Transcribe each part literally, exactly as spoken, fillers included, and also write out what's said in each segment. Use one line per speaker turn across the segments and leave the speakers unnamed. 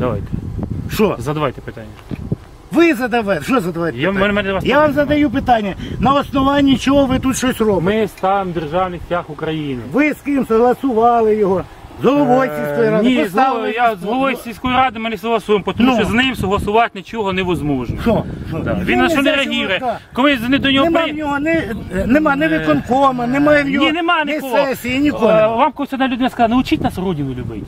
Давайте.
Що?
Задавайте питання.
Ви задавайте. Що задавайте
Я,
питання?
мене,
Я вам задаю питання. На основанні чого ви тут щось робите?
Ми ставимо державний стяг України.
Ви з ким согласували його? З головою сільської ради?
Ні,
Поставили...
я з головою сільської ради ми не согласуємо, тому
Ну.
що з ним согласувати нічого невозможно.
Що? Що?
Да. Він на що не реагує. Коли не до нього
Нема
при...
в нього ні, нема ні виконкома, немає в нього
Ні, нема
ні
нікого.
сесії, нікого.
Е,
нема.
Вам когось одна людина сказала, научіть нас родину любити.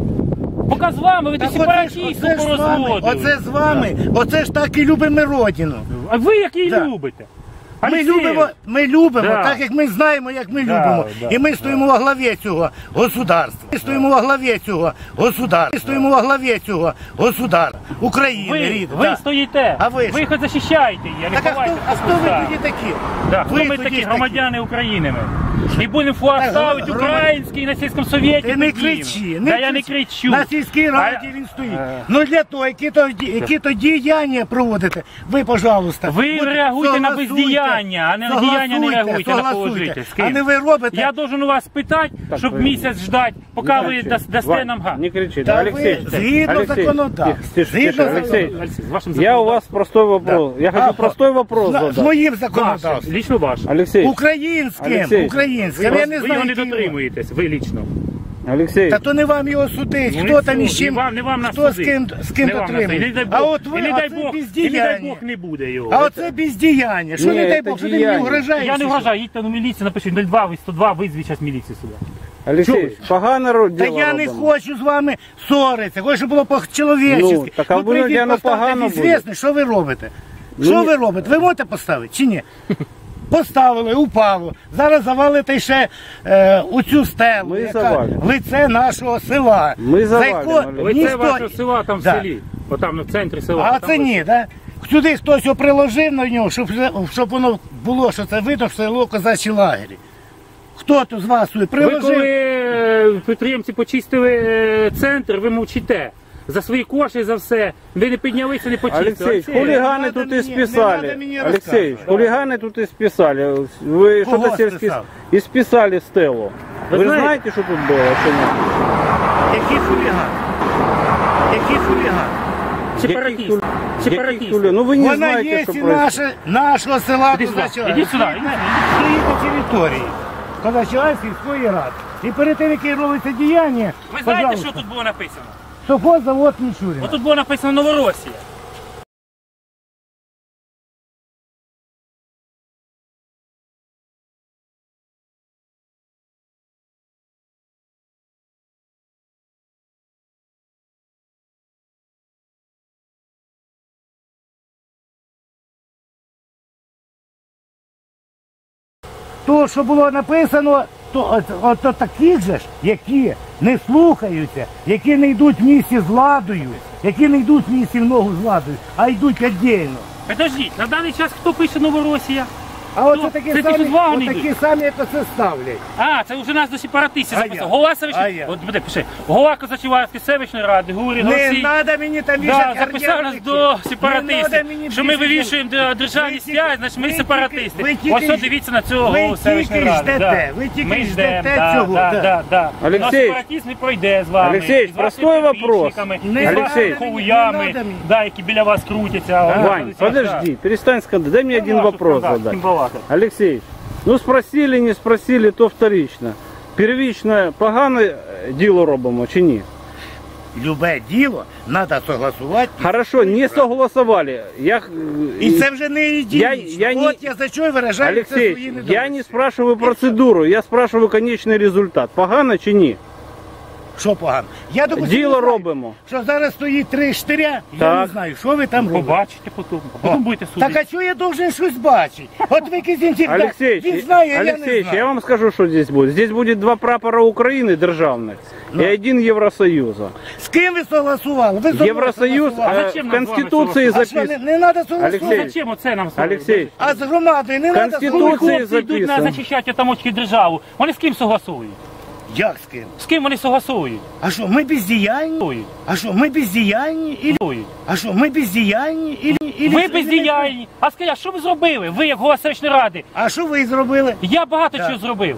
Поки з вами, ви
Так
ті
оце ж-
сепаратісти
оце ж з вами,
порозводили.
оце з вами, оце ж так і любимо родину.
А ви як її
Да.
любите?
Ми
Олексій,
любимо, ми любимо,
Да.
так як ми знаємо, як ми
Да,
любимо.
да,
І ми стоїмо во главі цього государства. Ми стоїмо во главі цього государства. Ми стоїмо во главі цього государства. України,
ви,
рідна.
ви
Да.
стоїте,
А ви
ви
що?
їх захищаєте її, а не
Так а хто,
ховаєте.
а хто ви тоді такі?
Да, хто
Ви
ми
тоді
такі громадяни України ми? І будемо флаг
Так,
ставити
громадяни.
український на сільському совєті.
Ти не
піднімемо.
кричи, не
Та я не
кричи.
кричу.
На сільській раді
А-
він стоїть.
Е.
Ну для того, які то, які то діяння проводите, ви, пожалуйста.
Ви
будь-
реагуйте на
согласуйте,
бездіяння, а не на діяння не реагуйте на
согласуйте.
положити. З
А
ким?
не ви робите.
Я должен у вас питати,
Так,
щоб
ви-
місяць ждати, поки
Не
ви
кричи.
дас- дасте
Вань,
нам газ.
Не кричи,
Та
Алексей.
ви згідно
Алексей,
законодавства.
тихо, тише,
Згідно
тише, Алексей,
Олексій, з вашим
я у вас простой вопрос. Я
А,
хочу простой вопрос
з, з
задать.
моїм
Ваше,
законодавством.
лічно ваш.
Алексей,
Українським,
Олексій,
українським.
Ви,
Я не
ви
знаю,
його не
які
дотримуєтесь, ви лічно.
Алексей,
Та то не вам його судить,
Ну,
хто
і
там
все.
із чим,
Не вам- не вам нас
хто з
судить.
ким, з ким
Не вам на це. І не дай
дотримує.
Бог,
А от ви,
і не дай
оце
Бог, і не дай
бездіяння.
Бог не буде його.
А оце бездіяння. Що
Ні,
не дай
це
Бог, що ти мені
діяння.
угрожаєш?
Я не
чи що?
вважаю, їдьте на міліцію, напишіть нуль два, ви сто два, визвіть зараз міліцію сюди.
Алексей, погано ро-
Та
діло
я не
робимо.
хочу з вами ссоритися, хочу, щоб було по-чоловічески.
Ну, так, а
Ви
ви,
прийдіть,
воно
поставте
погано
відзвісно, що ви робите.
Ну,
Що
ні.
ви робите? Ви можете поставити чи ні? Поставили, упало. Зараз завалите ще е, оцю стелу,
Ми
яка
завалимо.
лице нашого села.
Ми
За
завалимо,
яко
Олег.
Ви це
ніхто-
вашого села там в
Да.
селі, отам на центрі села.
А
там
це
ви-
ні, так? Сюди хтось його приложив на нього, щоб, щоб воно було, що це видно, що село козачі лагері. Хто тут з вас сюди
Ви
приложив?
коли е, підприємці почистили е, центр, ви мовчите. За свої кошти, за все. Ви не піднялися, не почистили.
Алексей,
Олексій,
хулиганы
надо
тут
мне-
и
не
списали.
надо мне
Алексей,
рассказывать.
хулиганы тут и списали. Вы
Кого
что-то сельский...
списал?
И списали Стеллу.
Вы
Вы,
знаете-
знаете, что тут было? Что нет?
Який хуліган? Який хуліган?
Сепаратіст.
Яких
Сепаратіст.
хули- Ну вы не
Вона
знаете,
є
что
і
происходит.
наше, нашого села
Іди сюди,
Козача.
іди сюди, іди.
Стоїть на території Козача сільської ради. І перед тим, як робиться діяння,
Ви знаєте,
пожалуйста,
що тут було написано?
совхоззавод Мічуріна.
Ось тут було написано Новоросія.
То, що було написано, то от, от, от таких же ж, які не слухаються, які не йдуть в місті з владою, які не йдуть в місті в ногу з владою, а йдуть віддільно.
Подождіть, на даний час хто пише Новоросія?
А оце
Ну,
такі
це ті,
самі,
що з вагони
от такі
йдуть.
самі, як оце ставлять.
А, це вже нас до сепаратистів
А
записав.
я?
Голова
А
селищної...
я?
От, буде, пиши. Голова Козачівської селищної ради, Гурін,
Не
Олексій.
треба мені там
Да,
вішати
записав нас
гарнятики.
до
Не надо
сепаратистів,
мені
що ми
більше-
вивішуємо до державні
Ви тільки-
стяги, значить ми
ви тільки-
сепаратисти.
ви тільки
Ось що
ж-
дивіться на цього
ви
голову селищної
тільки
ради.
ждете,
Да.
ви тільки
Ми
ждете
ждемо, да,
цього,
да,
да.
да, да.
Олексій,
Но сепаратизм не пройде з вами.
Олексій,
і з вашими
простой вопрос.
підписчиками,
Не
і з
надо
вашими
мені,
не
хуями,
надо мені.
да, які біля вас крутяться.
Вань, подожди, перестань скандалить. Дай мне один вопрос задать. Алексей, ну спросили, не спросили, то вторично. Первично погане діло робимо чи ні?
Любе діло треба согласувати.
Хорошо, не согласовали. Я...
І це вже не ідеологічно.
Я- я не-
От я за що виражаю це свої
Алексей,
недовольства.
я не спрашиваю процедуру, я спрашиваю конечный результат. Погано чи ні?
Що погано? Я допустим,
Діло
не знаю,
робимо.
що зараз стоїть три штиря, я
Так.
не знаю, що ви там робите.
Побачите потім, а потім будете
Так
судити.
а чого я должен щось бачити? От ви Кизінтів,
Алексей,
він знає, а я не
Алексей,
знаю.
я вам скажу, что здесь будет. Здесь будет два прапора Украины державных
Ну.
и один Евросоюза.
З ким ви согласували? Ви зі мною
Евросоюз
согласували.
э,
зачем
в
нам з вами
Конституции
А що, не,
записано.
не треба согласувати?
Алексей,
Ну зачем оце нам?
Алексей,
А з громадою не треба
Конституція
Коли
согласувати?
хлопці йдуть на
записано.
захищати тамочки державу, вони з ким согласують?
Як з ким?
З ким вони согласують?
А що, ми бездіяльні?
Согласують.
А що, ми бездіяльні? Ілі...
Согласують.
А що, ми бездіяльні? Ілі... Ілі...
Ви бездіяльні. А скажіть, а що ви зробили? Ви як голова селищної ради.
А що ви зробили?
Я багато
Так.
чого зробив.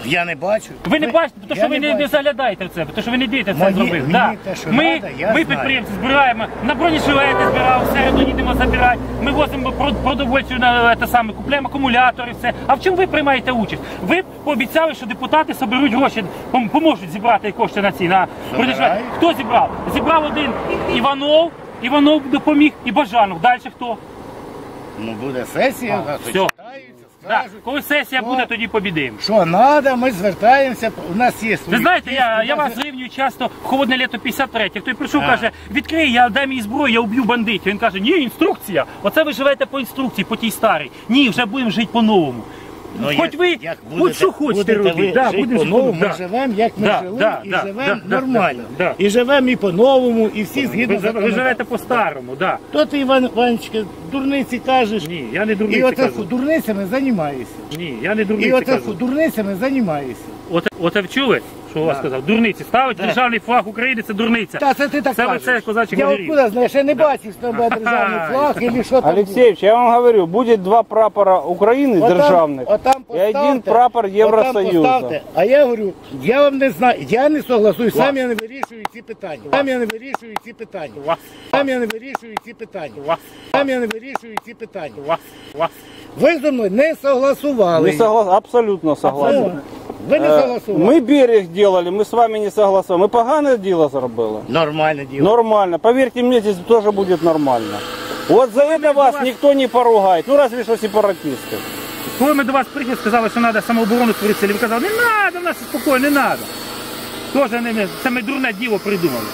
Я не бачу.
Ви не бачите, тому
я
що ви не, не
бачу.
заглядаєте в це, тому що ви не дивите це
Мені-
зробити.
мені
Да.
те, що
Ми,
надо, я
ми
знаю.
підприємці збираємо, на бронежилети збираємо, в середу їдемо забирати, ми возимо про- продовольчу на те саме, купуємо акумулятори, все. А в чому ви приймаєте участь? Ви пообіцяли, що депутати соберуть гроші, пом- поможуть зібрати кошти на ці, на бронежилети. Хто зібрав? Зібрав один Іванов, Іванов допоміг і Бажанов. Далі хто?
Ну буде сесія,
А,
нас
все.
почитаються,
Да.
скажуть.
Коли сесія
Хто?
буде, тоді побідимо.
Що треба, ми звертаємося, у нас є свої.
Ви знаєте, я,
списки,
я
у нас
вас зрівнюю часто в холодне літо п'ятдесят третє. Хто прийшов,
А.
каже, відкрий, я дай мені зброю, я уб'ю бандитів. Він каже, ні, інструкція. Оце ви живете по інструкції, по тій старій. Ні, вже будемо жити по-новому.
Ну,
Хоч
як-
ви,
як
хоч
будете-
що хочете
будете
робити.
ви
Да,
жити
будемо жити
по-новому,
по-новому.
ми
Да.
живемо, як ми
Да,
жили,
да,
і
да,
живемо
да,
нормально.
да, да.
І живемо і по-новому, і всі згідно
Ви, ви
законодавства.
живете по-старому, да.
То ти, Іван Івановичка, дурниці кажеш,
Ні, я не
і
дурниці
оце
кажу.
дурницями займаєшся.
Ні, я не
І
дурниці
оце
кажу.
дурницями займаєшся.
Оце, оце вчули, що у вас
Да.
сказав? Дурниці. Ставить
Да.
державний флаг України, це дурниця.
Та це ти так
Це ви
кажеш.
це козачий
Я
говорив.
откуда знаєш, я не бачив, що там буде державний флаг, і що там буде.
Алексеевич, я вам говорю, будет два прапора Украины
Отам-
державных
отам
и один
поставте,
прапор
отам
Евросоюза.
поставте. А я говорю, я вам не знаю, я не согласую, сам я не вирішую ці питання. Сам я не вирішую ці питання.
Вас,
Сам я не вирішую ці питання.
вас,
Сам я не вирішую ці питання.
вас, вас.
Ви зі мною не согласували.
Не соглас... Абсолютно согласен.
Ну, Ви не
Э,
согласували.
Мы берег делали, мы с вами не согласовали. Мы погане дело зробили.
Нормальне діло.
Нормально. Поверьте мне, здесь тоже будет нормально. Вот за это вас никто не поругает. Ну разве что сепаратисты.
Коли ми до вас приїхали, сказали, що треба самооборону створити, ви казали, не треба, в нас спокійно, не треба. Тоже не, не, це ми дурне діло придумали.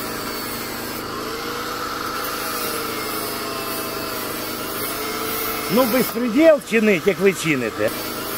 Ну, безпреділ чинить, як ви чините.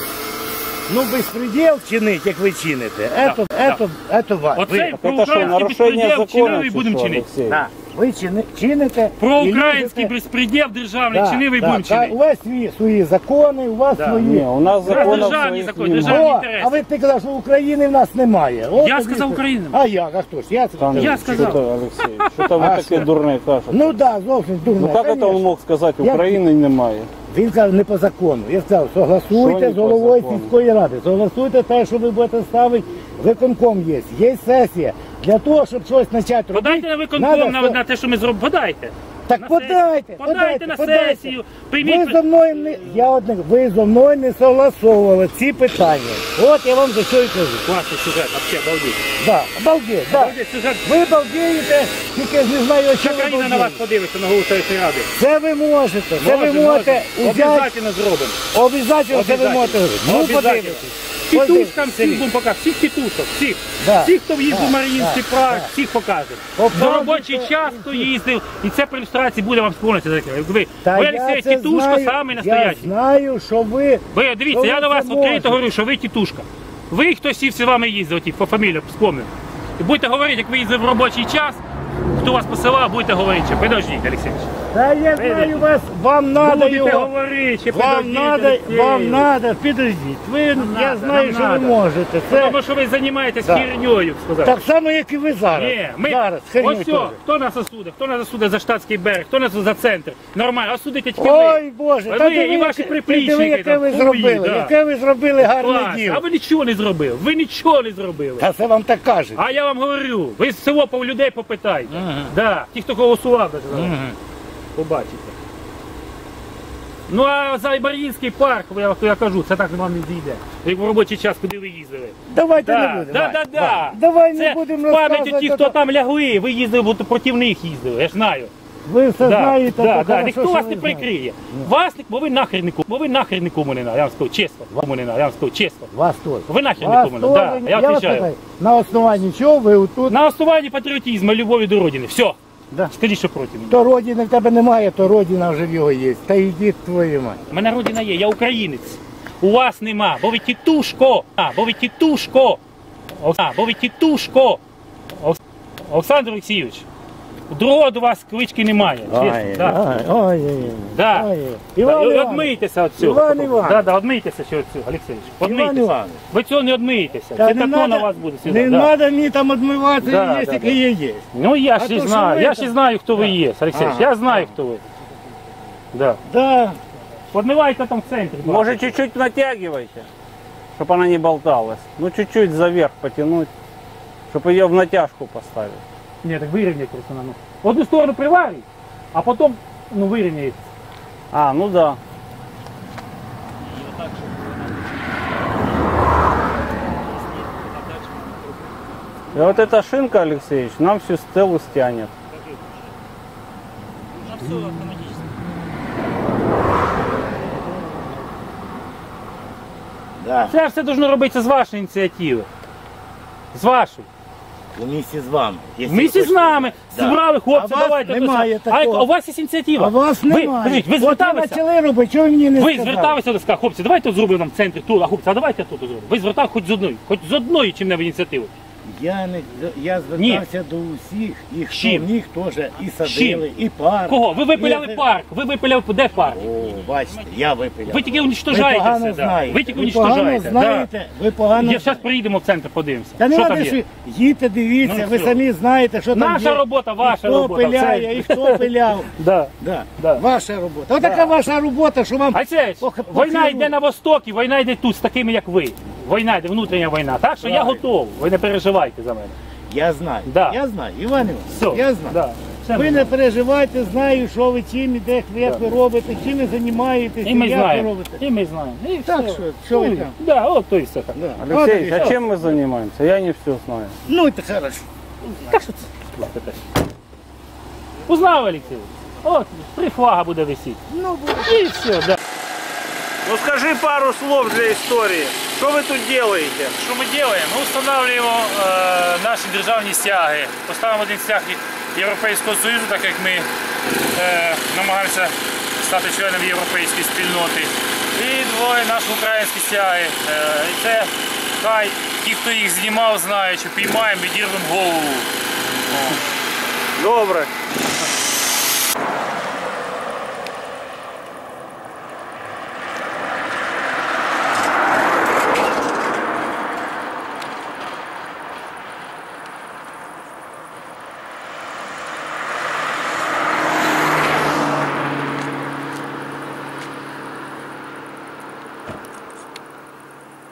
Ну, безпреділ чинить, як ви чините. Ето,
да.
ето, ето вас.
Оце
Ви,
Это что,
проукраїнський
нарушение
безпреділ чинили
закона?
і будемо
чи що,
чинити.
Алексей?
да, ви чини- чините. і
Проукраїнський
любите-
безпреділ державний
Да,
чинив і
да,
будемо
да, у
чинити.
вас свої, свої закони, у вас
Да.
свої.
Не, у нас
Це
законов
державні
своих
закони,
нема.
державні
О,
інтереси.
а ви ти казав, що України в нас немає. От
Я
тобі
сказав
це-
Україна.
А як, а хто ж? Я,
Там,
Я
что-то,
сказал.
Алексей, что-то вы
А
такие
что?
дурные кажете.
Ну так, да, зовсім дурно.
Ну как это он мог сказать,
Я-
Украины немає?
Він сказав не по закону. Я сказав,
Що
согласуйте
не
з
по
головою
закону?
сільської ради. Согласуйте те, що ви будете ставити. Виконком є. Є сесія. Для того, щоб щось почати робити.
Подайте на виконком
надо
на,
со-
на те, що ми зробимо. Подайте.
Так
на
подайте,
сесію.
подайте,
Подайте на
подайте.
сесію.
Ви
Прийміть.
зо мною не я одне, ви зо мною не согласовували ці питання. От я вам за що і кажу.
Класний сюжет, вообще, обалдеть.
Да, обалдеть, да.
Обалдеть сюжет.
Ви балдієте, тільки ж не знаю,
Вся
що ви
країна на вас
балдієте.
подивиться на голову цієї ради.
Це ви можете, це ви
Може,
можете
може.
взяти.
Обов'язательно зробимо.
Обов'язково це ви
Обов'язательно.
можете. Ну,
Обов'язательно.
подивитесь.
Тітушкам
Ось
всіх
дивіться.
будемо показати, всіх тітушок, всіх.
Да.
Всіх, хто в'їздив
Да.
в Маріїнський
Да.
парк,
Да.
всіх покажемо.
Показуйте.
За робочий час, хто їздив, і це при ілюстрації буде вам сповнитися. Ви,
Та
ви
я
Олексій,
це
тітушка
знаю,
самий
Я
настоящий.
знаю, що ви...
Ви, дивіться,
що
я
ви
до вас
це
відкрито
можете.
говорю, що ви тітушка. Ви, хтось всі з вами їздив, ті, по фамілію вспомнив. І будете говорити, як ви їздили в робочий час, хто вас посилав, будете говорити. Ще. Подождіть, Олексійович.
Та я знаю вас, вам надо
Будете
його...
говорити, ще
Вам
подождіть,
надо,
Олексій.
вам надо, підождіть. Ви, я
надо,
знаю,
нам
що ви
надо.
можете. Це
Тому що ви займаєтесь
Да.
херньою, сказав.
так само, як і ви зараз.
Ні, ми,
Зараз,
ось
херню
все,
теж.
хто нас осудить, хто нас осудить за штатський берег, хто нас за центр. Нормально, осудите тільки
Ой,
ви.
Боже,
Ви
та диви,
і ваші
яке-
приплічники
диви, яке
там,
ви
хуї,
зробили,
да.
яке ви зробили гарне
Клас.
діло.
А ви нічого не зробили, ви нічого не зробили.
Та це вам так кажуть.
А я вам говорю, ви з село по людей попитайте. Да, ті, хто голосував, даже, зараз. Побачите. Ну а за Мар'їнський парк, я, я кажу, це так вам не зійде. Як в робочий час, куди ви їздили.
Давайте не
Да,
будемо.
да, да, да.
Давай
Це
не будемо
в пам'яті
розказувати.
ті, хто там лягли, ви їздили, бо проти них їздили, я ж знаю.
Ви все
Да,
знаєте,
да,
то
да.
хорошо,
Ніхто
що
вас
ви
не
знаєте.
прикриє. Вас, не- бо ви нахер нікому, бо ви нахер нікому не надо, я вам скажу чесно. Кому не надо, я вам скажу чесно.
Вас теж.
Ви нахер
Вас
нікому не надо,
теж.
да, я
вас
відповідаю.
питаю, на основанні чого ви отут?
На основанні патріотизму, любові до родини, все.
Да.
Скажіть, що проти мене.
То родини в тебе немає, то родина вже в його є. Та йдіть твою мать.
У мене родина є, я українець. У вас нема, бо ви тітушко. А, бо ви тітушко. А, бо ви тітушко. Ос- Олександр Олексійович, другого до вас клички немає. Чесно, да.
Ой, ой, ой.
Да.
Ой,
Да,
Іван
і
Іванович.
Одмийтеся від цього.
Іван Іванович.
Да, да, одмийтеся ще від цього, Олексійович.
Іван
Одмийтеся.
Іванович.
Ви цього не одмиєтеся.
Та
Це
не
тако
надо-
на вас буде сюди.
Не
да.
треба мені там відмиватися,
Да,
є,
да,
як
да.
є, є.
Ну я
А
ж
то,
і
що
знаю,
ви
я
там-
ж і знаю, хто ви є, Олексійович.
Ага.
Я знаю, хто ви. Да.
Да.
Подмивайте там в центрі.
Может, чуть-чуть натягивайте. чтобы она не болталась. Ну, чуть-чуть заверх потянуть, чтобы ее в натяжку поставить.
Ні, так вирівняй просто на ну. В одну сторону приварюй, а потім ну, вирівняй.
А, ну да. И вот эта шинка, Алексеевич, нам всю стелу стянет.
Да.
Це все должно робитися з вашої ініціативи. З вашої.
У місті з вами. Якщо
Місті з
хочете.
нами.
Да.
Зібрали, хлопці,
А вас
давайте.
немає
то все.
такого.
А у вас є ініціатива.
А вас
ви,
немає.
подивіть, ви
От ви
зверталися?
почали робити, чого ви мені не
Ви
сказали?
зверталися до ска, хлопці, давайте от зробимо нам в центрі тут, а хлопці, а давайте тут зробимо. Ви звертали хоч з одної, хоч з одної чим-небудь ініціативи.
Я, не, я звертався до усіх, і хто
Чим?
міг теж і садили, і парк.
Кого? Ви випиляли
І-
парк, ви випиляли, де парк?
О, бачите, я випиляв.
Ви тільки
Ви
уничтожаєте
погано
все. Да.
знаєте.
Ви тільки
Ви погано
уничтожаєте.
знаєте, ви погано
Я зараз приїдемо в центр, подивимося.
Та не
Що
треба,
там
що
є?
їдьте, дивіться,
Ну,
ви
все.
самі знаєте, що там
Наша
є.
робота, ваша
і хто
робота,
пиляє,
все.
і хто пиляв.
Да.
Да.
Да.
Ваша робота. Ось така ваша робота, що вам...
Алексей,
Пох-
війна
похилу.
йде на востокі, війна йде тут з такими, як ви. Війна йде, внутрішня війна. Так що я
Правильно.
готовий, ви не переживайте за мене.
Я знаю,
Да.
я знаю, Іван Іванович,
Все.
я знаю.
Да. Все
Ви
ми
не
знаємо.
переживайте, знаю, що ви чим і де, як ви робите, чим ви займаєтесь,
І ми
як ви
знаємо.
робите.
І ми знаємо. І
Так
все.
що, що ви
Ну,
там?
Да, от то і все так.
Да.
Алексей,
От,
а чем мы занимаемся? Я не все знаю.
Ну, це хорошо.
Так що це? Узнав, Олексій? От, три флага буде висіти.
Ну, буде.
І все, да.
Ну скажи пару слов для истории. Что вы тут делаете?
Що ми робимо? Ми встановлюємо е, наші державні стяги. Поставимо один стяг Європейського Союзу, так як ми е, намагаємося стати членом європейської спільноти. І двоє наші українські стяги. Е, і це хай ті, хто їх знімав, знають, що піймаємо, відірвемо голову.
Добре.